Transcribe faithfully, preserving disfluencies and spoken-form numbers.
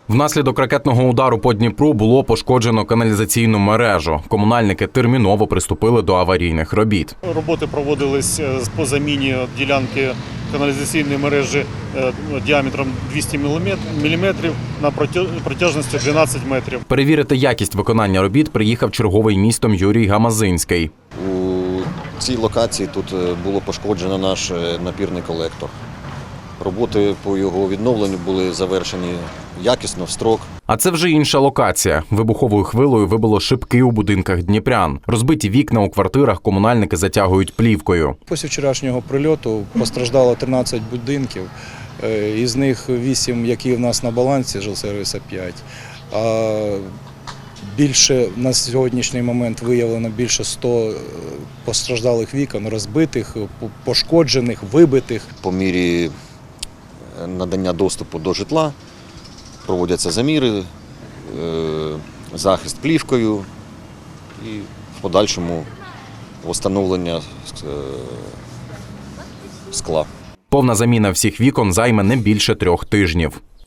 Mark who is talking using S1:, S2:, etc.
S1: Внаслідок ракетного удару по Дніпру було пошкоджено каналізаційну мережу. Комунальники терміново приступили до аварійних робіт.
S2: Роботи проводились по заміні ділянки каналізаційної мережі діаметром двісті міліметрів на протяжності дванадцять метрів.
S1: Перевірити якість виконання робіт приїхав черговий містом Юрій Гамазинський.
S3: У цій локації тут було пошкоджено наш напірний колектор. Роботи по його відновленню були завершені якісно, в строк.
S1: А це вже інша локація. Вибуховою хвилею вибило шибки у будинках дніпрян. Розбиті вікна у квартирах комунальники затягують плівкою.
S4: Після вчорашнього прильоту постраждало тринадцять будинків, із них вісім, які в нас на балансі, жилсервіса п'ять. А більше на сьогоднішній момент виявлено більше ста постраждалих вікон, розбитих, пошкоджених, вибитих.
S3: По мірі надання доступу до житла проводяться заміри, захист плівкою і в подальшому встановлення скла.
S1: Повна заміна всіх вікон займе не більше трьох тижнів.